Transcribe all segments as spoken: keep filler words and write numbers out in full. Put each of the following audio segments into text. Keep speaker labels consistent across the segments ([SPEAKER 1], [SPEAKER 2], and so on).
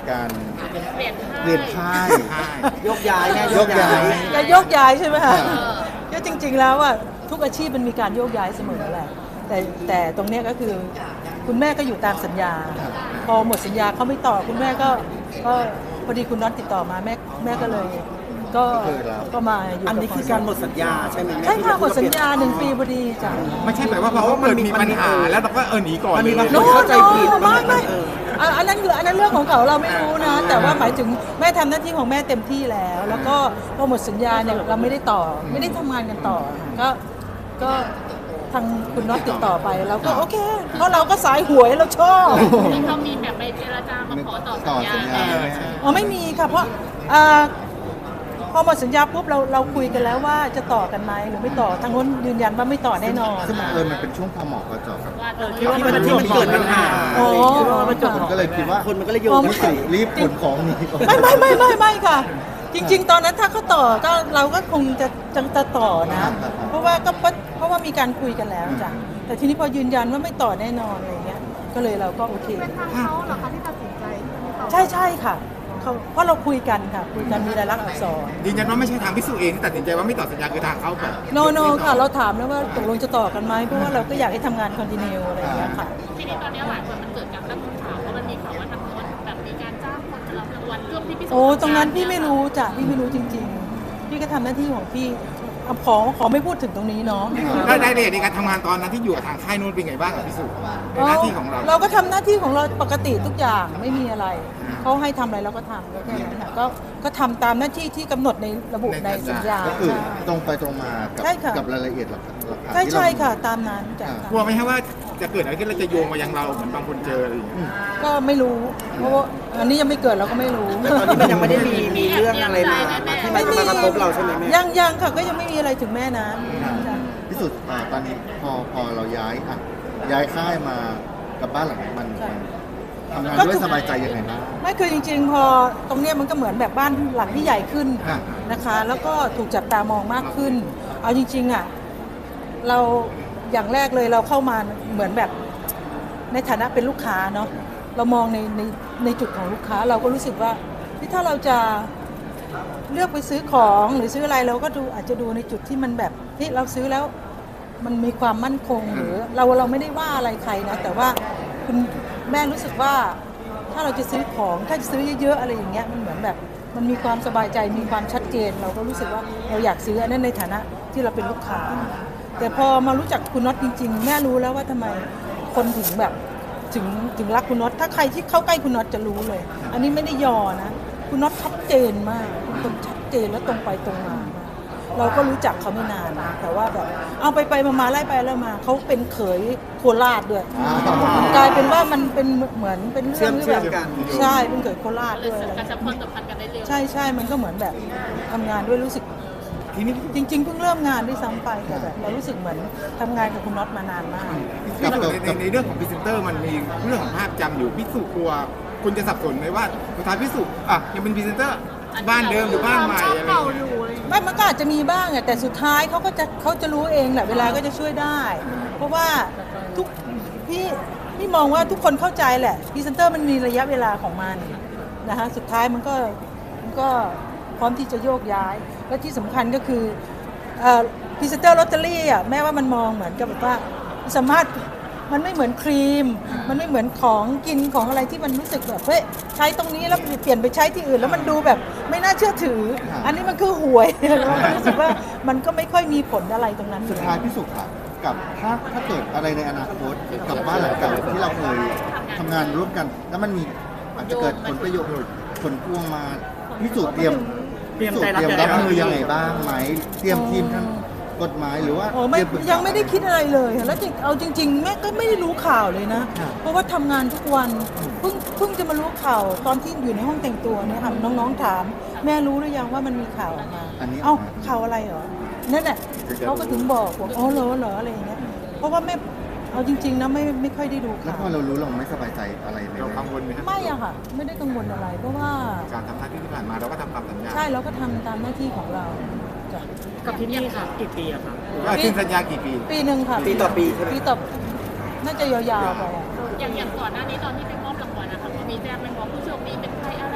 [SPEAKER 1] การ
[SPEAKER 2] เปลี่ยน
[SPEAKER 1] เปลี่ยนค่าย
[SPEAKER 3] ยกย้ายแม่
[SPEAKER 1] ยกย้าย
[SPEAKER 4] จะโยกย้ายใช่ไหมคะ
[SPEAKER 1] เออ
[SPEAKER 4] ก็จริง ๆ แล้วอ่ะทุกอาชีพมันมีการโยกย้ายเสมอแหละแต่แต่ตรงเนี้ยก็คือคุณแม่ก็อยู่ตามสัญญา พอหมดสัญญาเขาไม่ต่อคุณแม่ก็ก็พอดีคุณน็อตติดต่อมาแม่แม่ก็เลย ก็ก็มาอยู่
[SPEAKER 3] อันนี้คือการหมดสัญญาใช่ไหมแม่
[SPEAKER 4] ใช่ค่ะหมดสัญญาหนึ่งปีพอดีจ้ะ
[SPEAKER 5] ไม่ใช่หมายว่าพอเกิดมีปัญหาแล้วเราก็เออหนีก่อน
[SPEAKER 3] มันมี
[SPEAKER 5] เลย
[SPEAKER 3] บางค
[SPEAKER 4] โน้
[SPEAKER 3] น
[SPEAKER 4] โ
[SPEAKER 3] เข้าใจผิด
[SPEAKER 4] ไม่
[SPEAKER 3] บางคน
[SPEAKER 4] ไม่
[SPEAKER 3] เออ
[SPEAKER 4] อ่ะอันนั้นคืออันนั้นเรื่องของเขาเราไม่รู้นะ แต่ว่าหมายถึงแม่ทำหน้าที่ของแม่เต็มที่แล้ว แล้วก็พอหมดสัญญาเนี่ยเราไม่ได้ต่อไม่ได้ทำงานกันต่อ ก็ก็ทางคุณน็อตติดต่อไปเราก็โอเค เพราะเราก็สายหวยเราชอบ
[SPEAKER 2] ที่เขามีแบบไปเจรจามาขอต่อสัญญา
[SPEAKER 1] ต่อสัญญา
[SPEAKER 2] แม่
[SPEAKER 4] อ๋อไม่มีค่ะเพราะอ่าพอหมดสัญญาปุ๊บเราเราคุยกันแล้วว่าจะต่อกันไหมหรือไม่ต่อทางโน้นยืนยันว่าไม่ต่อแน่นอน
[SPEAKER 1] ซึ่งมันเออมันเป็นช่วงพอเหมาะพอเจาะกับ
[SPEAKER 2] ว่าเออ
[SPEAKER 3] ที่มันที่มันเกิดปัญหา
[SPEAKER 4] อ๋อ
[SPEAKER 1] คนก็เลยคิดว่า
[SPEAKER 3] คนมันก็เลยโยง
[SPEAKER 4] อ๋อ
[SPEAKER 3] ไม่ถึง
[SPEAKER 1] รีบขนของหนีก่อน
[SPEAKER 4] ไม่ไม่ไม่ไม่ไม่ค่ะ จริง ๆ ตอนนั้นถ้าเขาต่อก็เราก็คงจะจะจะต่อนะ เพราะว่าก็เพราะเพราะว่ามีการคุยกันแล้วจ้ะแต่ทีนี้พอยืนยันว่าไม่ต่อแน่นอนอะไรเงี้ยก็เลยเราก็โอเค
[SPEAKER 2] เป็นทางเขาเหรอคะที่ตัดสินใจที่จะไม่ต่อ
[SPEAKER 4] ใช่ใช่ค่ะเขาเพราะเราคุยกันค่ะคุยกันมีรายลักษณ์อักษร
[SPEAKER 5] ยืนยันว่าไม่ใช่ทางพิสูจน์เองที่ตัดสินใจว่าไม่ต่อสัญญาคือทางเขาแบบ
[SPEAKER 4] โนโนค่ะเราถามแล้วว่าตกลงจะต่อกันไหมเพราะว่าเราก็อยากให้ทำงานคอนติเนียอะไรอย่างเงี้ยค่ะ
[SPEAKER 2] ทีนี้ตอนนี้หลายคนมันเกิดการตั้งคำถามเพราะมันมีข่าวว่าทางโน้นแบบมีการจ้างคนมารับรางวัลร่วมที่พิสูจน์
[SPEAKER 4] โอ้ตรงนั้นพี่ไม่รู้จ้ะพี่ไม่รู้จริง ๆ พี่ก็ทำหน้าที่ของพี่เอาขอขอไม่พูดถึงตรงนี้เนาะ
[SPEAKER 5] ได้ได้เลยในการทำงานตอนนั้นที่อยู่กับทางค่ายนู้นเป็นไงบ้างกับพิสูจน์ในหน้าที่ของเรา
[SPEAKER 4] เราก็ทำหน้าที่ของเราปกติทุกอย่างไม่มีอะไรเขาให้ทำอะไรเราก็ทำก็แค่นั้นค่ะก็ก็ทำตามหน้าที่ที่กำหนดในระบุในสัญญา
[SPEAKER 1] ก็คือตรงไปตรงมากับ
[SPEAKER 4] ใช่ค่ะ
[SPEAKER 1] กับรายละเอียดหลักหลักฐาน
[SPEAKER 4] ใช่
[SPEAKER 1] ที่
[SPEAKER 4] ใช่
[SPEAKER 1] เรา
[SPEAKER 4] ค่ะตามนั้นจ้ะ
[SPEAKER 5] กลัวไหมฮะว่าจะเกิดอะไรขึ้นแล้วจะโยงมายังเราเหมือนบางคนเจออะไรอย่างเงี้ย
[SPEAKER 4] ก็ไม่รู้เพราะว่าอันนี้ยังไม่เกิดเราก็ไม่รู้
[SPEAKER 3] แต่ตอนนี้มันยังไม่ได้มีมีเรื่องอะไรมามาที่มันมากระทบเราใช่ไหมแม่
[SPEAKER 4] ยังยังค่ะก็ยังไม่มีอะไรถึงแม่นะจ้ะ
[SPEAKER 1] พิสูจน์อ่าตอนนี้พอพอเราย้ายอ่ะย้ายค่ายมากับบ้านหลังนี้มันทำงานด้วยสบายใจยังไงบ้าง
[SPEAKER 4] ไม่คือจริงๆ พอตรงเนี้ยมันก็เหมือนแบบบ้านหลังที่ใหญ่ขึ้น
[SPEAKER 1] ค่ะ
[SPEAKER 4] นะคะ แล้วก็ถูกจับตามองมากขึ้น เอาจริงๆอ่ะเราอย่างแรกเลยเราเข้ามาเหมือนแบบในฐานะเป็นลูกค้าเนาะเรามองในในในจุดของลูกค้าเราก็รู้สึกว่าที่ถ้าเราจะเลือกไปซื้อของหรือซื้ออะไรเราก็ดูอาจจะดูในจุดที่มันแบบที่เราซื้อแล้วมันมีความมั่นคงหรือเราเราไม่ได้ว่าอะไรใครนะแต่ว่าคุณแม่รู้สึกว่าถ้าเราจะซื้อของถ้าจะซื้อเยอะๆอะไรอย่างเงี้ยมันเหมือนแบบมันมีความสบายใจมีความชัดเจน เราก็รู้สึกว่าเราอยากซื้ออันนั้นในฐานะที่เราเป็นลูกค้า แต่พอมารู้จักคุณน็อตจริงๆ แม่รู้แล้วว่าทำไมคนถึงแบบถึงถึงรักคุณน็อตถ้าใครที่เข้าใกล้คุณน็อตจะรู้เลย อันนี้ไม่ได้ยอนะ คุณน็อตชัดเจนมากเป็นคนชัดเจนและตรงไปตรงมา เราก็รู้จักเขาไม่นานนะแต่ว่าแบบเอาไปไปมามาไล่ไปแล้วมาเขาเป็นเขยโคราชด้วยกลายเป็นว่ามันเป็นเหมือนเป็นเรื่องที่แบบใช่เป็นเขยโคราช
[SPEAKER 2] รู้
[SPEAKER 4] ด้วย
[SPEAKER 2] สึก
[SPEAKER 4] อะไร
[SPEAKER 2] กระชับความสัมพันธ์กันได้เร็ว
[SPEAKER 4] ใช่ใช่มันก็เหมือนแบบทำงานด้วยรู้สึก
[SPEAKER 5] ทีนี้
[SPEAKER 4] จริงๆเพิ่งเริ่มงานด้วยซ้ำไปแต่แบบเรารู้สึกเหมือนทำงานกับคุณน็อตมานานมาก
[SPEAKER 5] ในในในเรื่องของพรีเซนเตอร์มันมีเรื่องของภาพจำอยู่พิสูจน์กลัวคุณจะสับสนไหมว่าสุดท้ายพิสูจน์อ่ะยังเป็นพรีเซนเตอร์บ้านเดิมหรือบ้านใหม่อะไรอย่างเงี้ย
[SPEAKER 4] ไม่มันก็อาจจะมีบ้างอะแต่สุดท้ายเขาก็จะเขาจะรู้เองแหละเวลาก็จะช่วยได้ เพราะว่าทุกพี่พี่มองว่าทุกคนเข้าใจแหละพรีเซนเตอร์มันมีระยะเวลาของมันนะคะสุดท้ายมันก็มันก็พร้อมที่จะโยกย้าย และที่สำคัญก็คือพรีเซนเตอร์ลอตเตอรี่อ่ะแม้ว่ามันมองเหมือนกับแบบว่าสามารถมันไม่เหมือนครีม มันไม่เหมือนของกินของอะไรที่มันรู้สึกแบบเฮ้ยใช้ตรงนี้แล้วเปลี่ยนไปใช้ที่อื่น แล้วมันดูแบบไม่น่าเชื่อถือ อันนี้มันคือหวย เราก็รู้สึกว่ามันก็ไม่ค่อยมีผลอะไรตรงนั้น
[SPEAKER 1] สุดท้ายพิสูจน์ค่ะกับถ้าถ้าเกิดอะไรในอนาคตกับบ้านหลังเก่าที่เราเคยทำงานร่วมกัน แล้วมันมีอาจจะเกิดผลประโยชน์ผลพวงมาพิสูจน์เตรียม
[SPEAKER 3] เตรียม
[SPEAKER 1] พิสูจ
[SPEAKER 3] ใจ
[SPEAKER 1] น์
[SPEAKER 3] รับ
[SPEAKER 1] เตรียม
[SPEAKER 3] ใจ
[SPEAKER 1] รับ
[SPEAKER 3] รับ
[SPEAKER 1] มือยังไงบ้างไหมเตรียมทีมทางกฎหมายหรือว่า
[SPEAKER 4] โอ้ไม่
[SPEAKER 1] เตรีปรึกษา
[SPEAKER 4] ยังไม่ได้คิดอะไรเลยแล้วจริงเอาจริงๆแม่ก็ไม่ได้รู้ข่าวเลยนะ เพราะว่าทำงานทุกวันเพิ่งเพิ่งจะมารู้ข่าวตอนที่อยู่ในห้องแต่งตัวเนี่ยค่ะน้องๆถาม แม่รู้หรือยังว่ามันมีข่าวออกมา
[SPEAKER 1] อันนี้
[SPEAKER 4] เอ้าข่าวอะไรเหรอนั่นแหละเขาก็ถึงบอกว่าอ๋อเหรอเหรออะไรอย่างเงี้ยเพราะว่าแม่เอาจริงๆนะไม่ไม่ค่อยได้ดู
[SPEAKER 1] แล้ว
[SPEAKER 4] ข่าว
[SPEAKER 1] พอเรารู้เราไม่สบายใจอะไรไหม
[SPEAKER 5] เรากังวลไหมครับ
[SPEAKER 4] ไม่อะค่ะ ไม่ได้กังวลอะไร เพราะว่า
[SPEAKER 5] การทำหน้าที่ที่ผ่านมาเราก็ทำตามสัญญา
[SPEAKER 4] ใช่เราก็ทำตามหน้าที่ของเราจ้ะ
[SPEAKER 3] กับที่นี่ค่ะกี่ปีอะครับ
[SPEAKER 5] ว่าสิ้นสัญญากี่ปี
[SPEAKER 4] ปีหนึ่งค่ะ
[SPEAKER 3] ปีต่อปีใช่ไหม
[SPEAKER 4] ปีต่อน่าจะยาวๆไปอะ
[SPEAKER 2] อย่างอย่างก่อนหน้านี้ตอนที่ไปมอบรางวัลนะคะก็มีแจ้งไหมว่าผู้โชคดีเป็นใครอะไร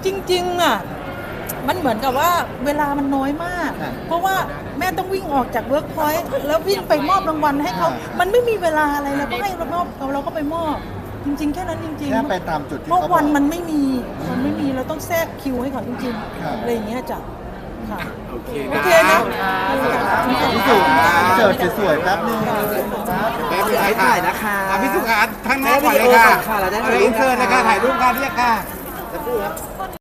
[SPEAKER 4] จริงๆอ่ะมันเหมือนกับว่าเวลามันน้อยมาก
[SPEAKER 1] ค่ะ
[SPEAKER 4] เพราะว่าแม่ต้องวิ่งออกจากเวิร์กพอยต์แล้ววิ่งไปมอบรางวัลให้เขามันไม่มีเวลาอะไรเราก็ให้เรามอบเราก็ไปมอบ จริง ๆ แค่นั้นจริงๆ
[SPEAKER 1] แค่ไปตามจุดที่
[SPEAKER 4] เพราะ
[SPEAKER 1] เขาบ
[SPEAKER 4] วั
[SPEAKER 1] อน ก
[SPEAKER 4] มันไม่มีมันไม่มีเราต้องแทรกคิวให้เขาจริง
[SPEAKER 1] ครับ
[SPEAKER 4] ๆอะไรอย่างเงี้ยจ้ะค่ะ
[SPEAKER 5] โอเค
[SPEAKER 4] โอเคนะ
[SPEAKER 1] พี่สุเจอสวยๆแป๊บนึง
[SPEAKER 5] แป๊บนึง
[SPEAKER 3] ให้ถ่ายนะคะ
[SPEAKER 5] อ่ะพี่สุขาทั้งหน้าก่อนเลยค่ะ
[SPEAKER 3] ค่ะเราได้
[SPEAKER 5] อะไรอินเสิร์ตเลยค่ะถ่ายรูปกันเรียกค่ะ
[SPEAKER 3] สักครู่ครับ